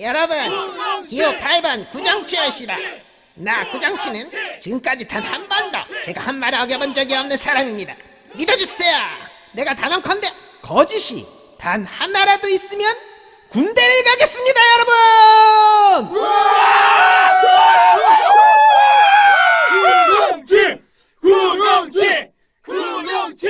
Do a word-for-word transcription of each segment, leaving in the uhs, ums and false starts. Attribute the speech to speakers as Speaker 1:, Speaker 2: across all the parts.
Speaker 1: 여러분, 기호 팔 번 구정치열시다. 나 구정치는 지금까지 단 한 번도 제가 한 말을 어겨본 적이 없는 사람입니다. 믿어주세요. 내가 단언컨대 거짓이 단 하나라도 있으면 군대를 가겠습니다, 여러분.
Speaker 2: 구정치! 구정치! 구정치!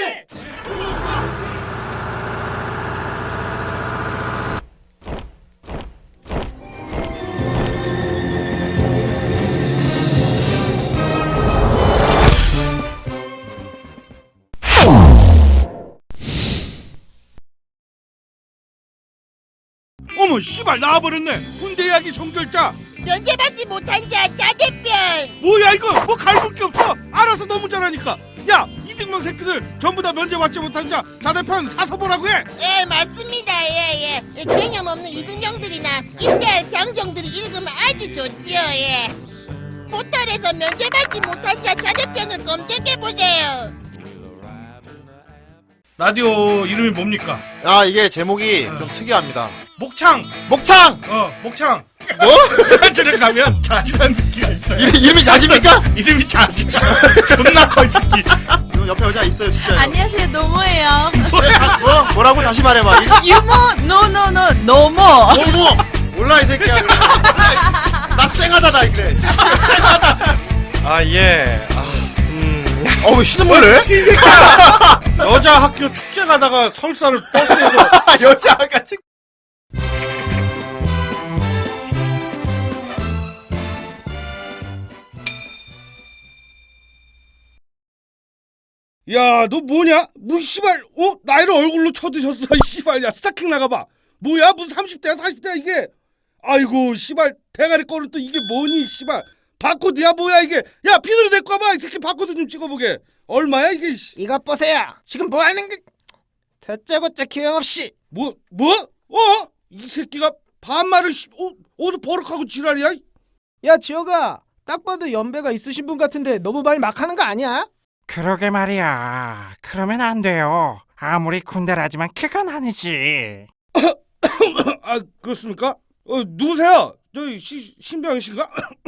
Speaker 2: 어머 씨발 나와버렸네. 군대 이야기 종결자.
Speaker 3: 면제받지 못한 자 자대변.
Speaker 2: 뭐야 이거 뭐 갈볼 게 없어. 알아서 너무 잘하니까. 야 이등병 새끼들 전부 다 면제받지 못한 자 자대편 사서 보라고 해.
Speaker 3: 예 맞습니다. 예예 예. 개념 없는 이등병들이나 임대할 장정들이 읽으면 아주 좋지요. 예. 포털에서 면제받지 못한 자 자대편을 검색해보세요.
Speaker 2: 라디오 이름이 뭡니까?
Speaker 4: 아 이게 제목이 좀 특이합니다.
Speaker 2: 목창.
Speaker 4: 목창!
Speaker 2: 어 목창.
Speaker 4: 뭐?
Speaker 2: 저를 가면 자지란 새끼가 있어요.
Speaker 4: 이름, 이름이 자지입니까?
Speaker 2: 이름이 자지. 존나 커 이 새끼.
Speaker 4: 지금 옆에 여자 있어요 진짜.
Speaker 5: 안녕하세요, 노모예요.
Speaker 4: 뭐? 뭐라고 다시 말해봐. 이름-
Speaker 5: 유모, 노노노, 노모.
Speaker 4: 어머! 몰라 이 새끼야. 그래. 나 쌩하다 나 그래.
Speaker 6: 아, 예. 아, 음.
Speaker 4: 어왜 신음을 해?
Speaker 2: 신새끼야. 여자 학교 축제 가다가 설사를 버스에서.
Speaker 4: 여자가 지
Speaker 2: 야, 너 뭐냐? 뭐 씨발, 어? 나이를 얼굴로 쳐드셨어, 이 씨발. 야, 스타킹 나가봐. 뭐야? 무슨 삼십 대야, 사십 대야, 이게? 아이고, 씨발, 대가리 거는 또 이게 뭐니, 씨발. 바코드야, 뭐야, 이게? 야, 피드로 데리고 와봐. 이 새끼 바코드 좀 찍어보게. 얼마야, 이게, 씨.
Speaker 1: 이것 보세요. 지금 뭐 하는 그 다짜고짜 교양 없이.
Speaker 2: 뭐, 뭐? 어? 이 새끼가 반말을, 씨, 어, 어디서 버럭하고 지랄이야?
Speaker 1: 야, 지호가 딱 봐도 연배가 있으신 분 같은데 너무 말 막 하는 거 아니야?
Speaker 6: 그러게 말이야. 그러면 안 돼요. 아무리 군대라지만 그건 아니지.
Speaker 2: 아, 그렇습니까? 어, 누구세요? 저희 시, 신병 씨인가?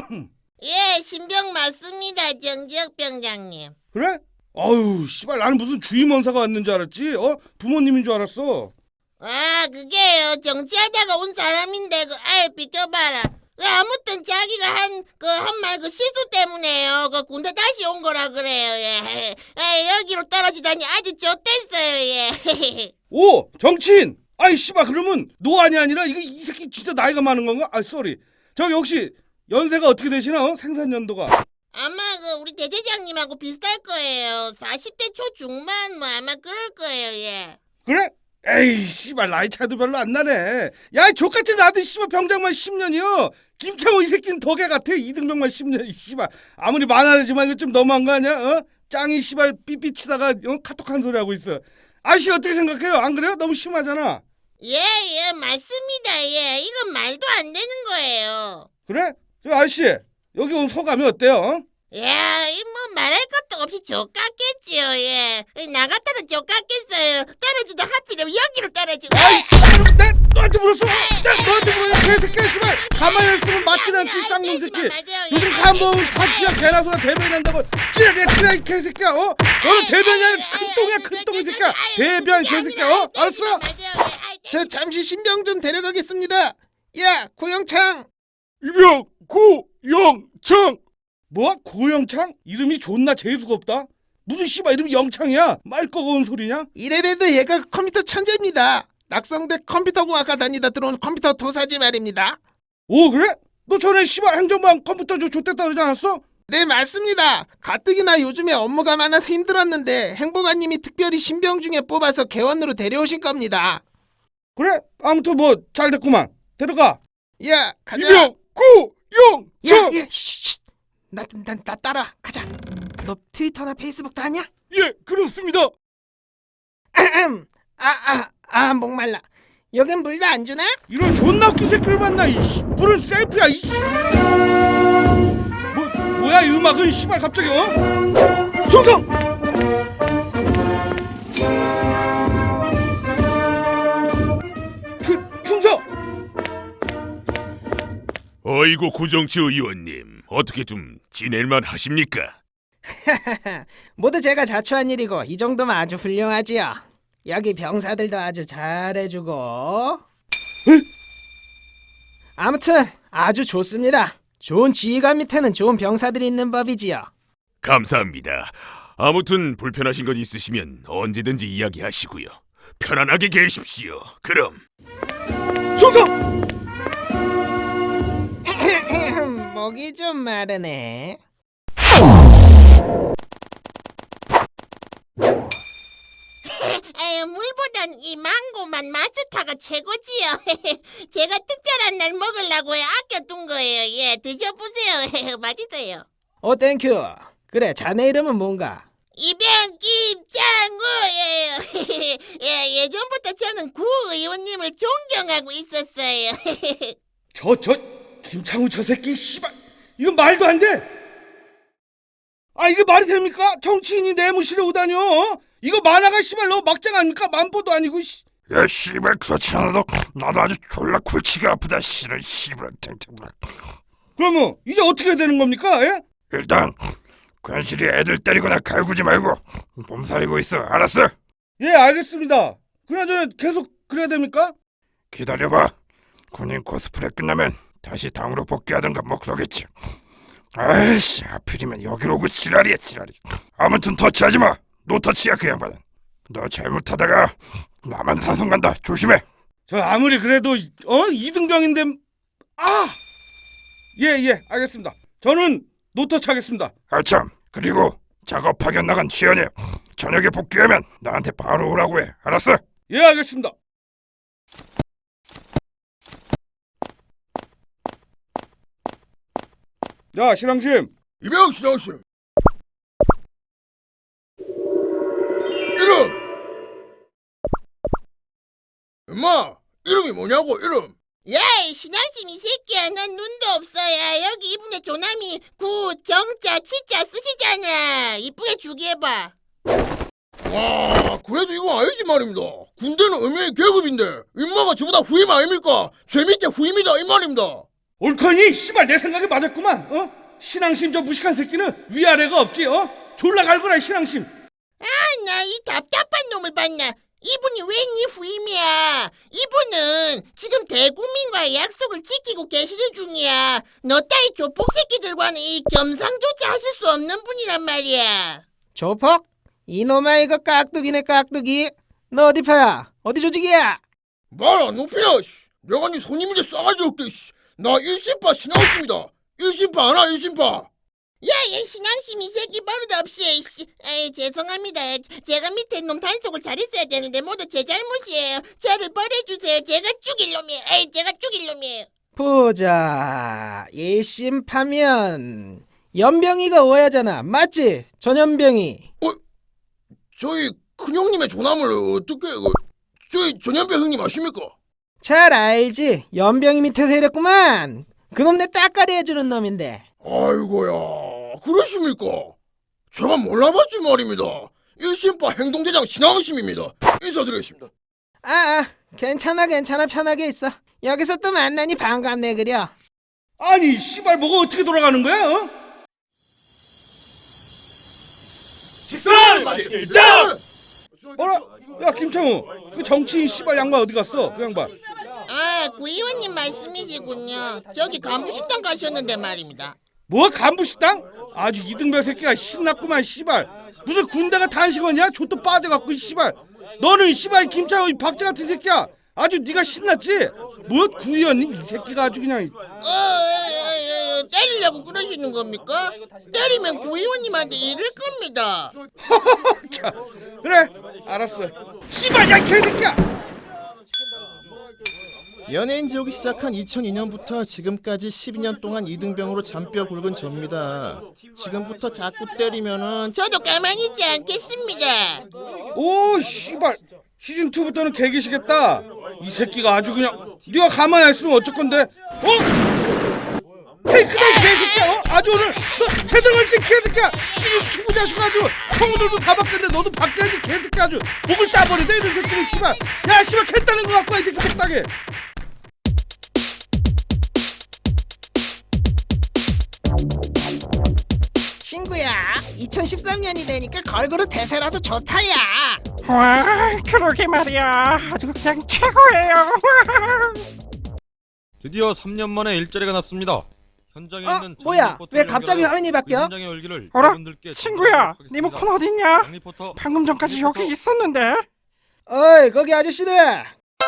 Speaker 3: 예 신병 맞습니다. 정지혁 병장님.
Speaker 2: 그래? 아유, 씨발, 나는 무슨 주임원사가 왔는 줄 알았지? 어? 부모님인 줄 알았어.
Speaker 3: 아 그게요 정치하다가 온 사람인데 그 아예 비켜봐라. 그 아무튼 자기가 한 그 한 말 그 실수 때문에요. 그 군대 다시 온 거라 그래요. 예. 예 여기로 떨어지다니 아주 좋댔어요. 예.
Speaker 2: 오! 정치인! 아이, 씨발, 그러면 노안이 아니라 이거 이 새끼 진짜 나이가 많은 건가? 아, 쏘리. 저기 혹시 연세가 어떻게 되시나? 어? 생산연도가.
Speaker 3: 아마 그 우리 대대장님하고 비슷할 거예요. 사십 대 초중반 뭐 아마 그럴 거예요. 예.
Speaker 2: 그래? 에이, 씨발, 나이 차도 별로 안 나네. 야, 이 족같은 나도 씨발 병장만 십 년이요. 김창호 이 새끼는 덕에 같아. 이등병만 십 년. 씨발. 아무리 만화지만 이거 좀 너무한 거 아니야? 어? 짱이 씨발 삐삐 치다가 어? 카톡 한 소리 하고 있어. 아저씨 어떻게 생각해요? 안 그래요? 너무 심하잖아.
Speaker 3: 예, 예, 맞습니다. 예, 이건 말도 안 되는 거예요.
Speaker 2: 그래? 저 아저씨 여기 온 소감이 어때요? 어?
Speaker 3: 야, 이 뭐 말할 것도 없이 족같겠지요. 예, 나 같아도 족같겠어요. 떨어지도 하필이면 여기로 떨어지고.
Speaker 2: 아이 내 너한테 물었어. 내 너한테 물었어. 개새끼야 씨발. 가만히 있으면 맞진 않지 쌍놈 새끼. 요즘 간보면 파티야 개나 소나 대변한다고 찌라게 찌라 이 개새끼야. 어? 너는 대변이 아니라 큰 똥이야 큰 똥 이 새끼야. 대변 개새끼야. 어? 알았어?
Speaker 1: 저 잠시 신병 좀 데려가겠습니다. 야, 고영창.
Speaker 2: 이병 고영창. 뭐? 고영창? 이름이 존나 재수가 없다. 무슨 씨발 이름이 영창이야? 말 꺼거운 소리냐?
Speaker 1: 이래봬도 얘가 컴퓨터 천재입니다. 낙성대 컴퓨터공학과 다니다 들어온 컴퓨터 도사지 말입니다.
Speaker 2: 오 그래? 너 전에 씨발 행정반 컴퓨터 저 좆됐다 그러지 않았어?
Speaker 1: 네, 맞습니다. 가뜩이나 요즘에 업무가 많아서 힘들었는데 행보관님이 특별히 신병 중에 뽑아서 개원으로 데려오신 겁니다.
Speaker 2: 그래? 아무튼 뭐 잘 됐구만. 데려가.
Speaker 1: 야, 가자.
Speaker 2: 이병 고영창.
Speaker 1: 야, 야, 쉿, 나, 나, 나 따라 가자. 너 트위터나 페이스북 다냐?
Speaker 2: 예 그렇습니다.
Speaker 1: 아흠. 아, 아, 아, 목말라. 여긴 물도 안 주나?
Speaker 2: 이런 존나 웃긴 새끼를 만나. 이씨 물은 셀프야. 이씨. 뭐 뭐야 이 음악은 씨발 갑자기 어? 충성. 그 충성.
Speaker 7: 아이고 구정치 의원님 어떻게 좀 지낼만 하십니까?
Speaker 1: 모두 제가 자초한 일이고 이 정도면 아주 훌륭하지요. 여기 병사들도 아주 잘해주고. 아무튼 아주 좋습니다. 좋은 지휘관 밑에는 좋은 병사들이 있는 법이지요.
Speaker 7: 감사합니다. 아무튼 불편하신 것 있으시면 언제든지 이야기하시고요. 편안하게 계십시오. 그럼.
Speaker 2: 충성!
Speaker 1: 목이 좀 마르네.
Speaker 3: 에휴, 물보단 이 망고만 마스타가 최고지요. 제가 특별한 날 먹으려고 아껴둔 거예요. 예, 드셔보세요. 맛있어요.
Speaker 1: 어 땡큐. 그래 자네 이름은 뭔가?
Speaker 3: 이병 김창우예요. 예, 예전부터 저는 구 의원님을 존경하고 있었어요.
Speaker 2: 저, 저, 김창우 저 새끼, 씨발. 이건 말도 안 돼! 아, 이게 말이 됩니까? 정치인이 내무실에 오다뇨? 어? 이거 만화가 씨발 너무 막장 아닙니까? 만보도 아니고, 씨.
Speaker 6: 야 씨발 그렇지 않아도 나도 아주 졸라 골치가 아프다 씨발 씨발 탱탱.
Speaker 2: 그러면, 이제 어떻게 해야 되는 겁니까? 예?
Speaker 6: 일단 괜시리 애들 때리거나 갈구지 말고 몸살리고 있어. 알았어?
Speaker 2: 예, 알겠습니다. 그나저나 계속 그래야 됩니까?
Speaker 6: 기다려봐. 군인 코스프레 끝나면 다시 당으로 복귀하든가 뭐 그러겠지. 아이씨 하필이면 여기로 오고 지랄이야 지랄이. 아무튼 터치하지 마. 노터치야 그 양반은. 너 잘못하다가 나만 산성 간다. 조심해.
Speaker 2: 저 아무리 그래도, 어? 이등병인데, 아! 예, 예, 알겠습니다. 저는 노터치 하겠습니다.
Speaker 6: 아참 그리고 작업 파견 나간 지연이 저녁에 복귀하면 나한테 바로 오라고 해. 알았어?
Speaker 2: 예, 알겠습니다. 야, 신앙심.
Speaker 4: 이병 신앙심. 이름. 엄마 이름이 뭐냐고 이름.
Speaker 3: 야, 신앙심 이 새끼야. 난 눈도 없어야. 여기 이분의 조남이 구, 정자, 치자 쓰시잖아. 이쁘게 주기해봐.
Speaker 4: 와 그래도 이건 아니지 말입니다. 군대는 의미의 계급인데 임마가 저보다 후임 아닙니까? 제 밑에 후임이다 이 말입니다.
Speaker 2: 옳거니, 씨발 내 생각에 맞았구만. 어? 신앙심 저 무식한 새끼는 위아래가 없지. 어? 졸라 갈거라 신앙심.
Speaker 3: 아, 나 이 답답한 놈을 봤나. 이분이 왜 네 후임이야? 이분은 지금 대국민과의 약속을 지키고 계시는 중이야. 너 따위 조폭 새끼들과는 이 겸상조차 하실 수 없는 분이란 말이야.
Speaker 1: 조폭? 이놈아 이거 깍두기네 깍두기. 너 어디 파야? 어디 조직이야?
Speaker 4: 말 안 높이냐 씨. 내가 네 손님인데 싸가지 없게 씨. 나 일심파 신앙심이다. 일심파 하나 일심파.
Speaker 3: 야야 신앙심 이 새끼 버릇없이. 씨. 에이 죄송합니다. 제가 밑에 놈 단속을 잘했어야 되는데 모두 제 잘못이에요. 저를 벌해주세요. 제가 죽일 놈이에요. 에이 제가 죽일 놈이에요.
Speaker 1: 보자. 일심파면 연병이가 오야잖아. 맞지? 전연병이.
Speaker 4: 저희 큰형님의 조남을 어떻게 그 저희 전현배 형님 아십니까?
Speaker 1: 잘 알지. 연병이 밑에서 이랬구만. 그놈 내 따까리 해주는 놈인데.
Speaker 4: 아이고야 그러십니까? 제가 몰라봤지 말입니다. 일심파 행동대장 신앙심입니다. 인사드리겠습니다.
Speaker 1: 아, 아 괜찮아 괜찮아 편하게 있어. 여기서 또 만나니 반갑네 그려.
Speaker 2: 아니, 씨발 뭐가 어떻게 돌아가는 거야? 어?
Speaker 4: 식사! 자!
Speaker 2: 어라? 야, 김창우. 그 정치인 씨발 양반 어디 갔어? 그 양반.
Speaker 3: 아, 구 의원님 말씀이시군요. 저기 간부식당 가셨는데 말입니다.
Speaker 2: 뭐 간부식당? 아주 이등병 새끼가 신났구만 씨발. 무슨 군대가 단식원이야? 좆도 빠져갖고 씨발. 너는 씨발 김창우 이 박제 같은 새끼야. 아주 네가 신났지? 뭐 구의원님 이 새끼가 아주 그냥.
Speaker 3: 어, 어, 어, 어, 때리려고 그러시는 겁니까? 때리면 구 의원님한테 이를 겁니다.
Speaker 2: 자, 그래 알았어. 씨발 야 개새끼야.
Speaker 8: 연예인 지옥이 시작한 이천이 년부터 지금까지 십이 년 동안 이등병으로 잔뼈 굵은 접니다. 지금부터 자꾸 때리면은
Speaker 3: 저도 가만히 있지 않겠습니다.
Speaker 2: 오 씨발 시즌 이부터는 개기시겠다. 이 새끼가 아주 그냥. 네가 가만히 있으면 어쩔 건데? 어? 페이크다 이 개새끼야. 어? 아주 오늘 너 제대로 할수 있게 개새끼야. 시즌 축구 자식 아주 형들도 다 바뀌었는데 너도 바뀌어야지 개새끼. 아주 목을 따버리다 이런 새끼는 씨발. 야 씨발 캔 따는 거 갖고 와 이 새끼 못하게.
Speaker 1: 이제는 십삼 년이 되니까 걸그룹 대세라서 좋다야.
Speaker 6: 와, 그러게 말이야. 아주 그냥 최고예요.
Speaker 9: 드디어 삼 년 만에 일자리가 났습니다. 현장에
Speaker 1: 어?
Speaker 9: 있는
Speaker 1: 뭐야? 왜 갑자기 화면이 바뀌어?
Speaker 9: 현장의 열기를
Speaker 6: 어라?
Speaker 9: 여러분들께
Speaker 6: 친구야,
Speaker 9: 전달하도록
Speaker 6: 리모컨
Speaker 9: 하겠습니다.
Speaker 6: 어딨냐?
Speaker 9: 장 리포터,
Speaker 6: 방금 전까지
Speaker 9: 리포터.
Speaker 6: 여기 있었는데.
Speaker 1: 어이 거기 아저씨들,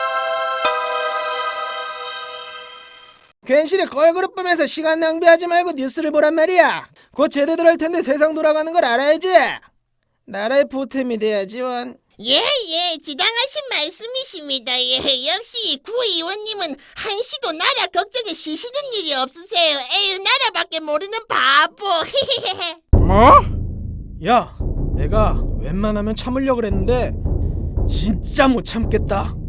Speaker 1: 괜시리 걸그룹 보면서 시간 낭비하지 말고 뉴스를 보란 말이야. 곧 제대로 할 텐데 세상 돌아가는 걸 알아야지. 나라의 보탬이 돼야지 원.
Speaker 3: 예예 지당하신 말씀이십니다. 예 역시 구 의원님은 한시도 나라 걱정에 쉬시는 일이 없으세요. 에휴 나라밖에 모르는 바보.
Speaker 6: 뭐?
Speaker 1: 야, 내가 웬만하면 참으려고 그랬는데 진짜 못 참겠다.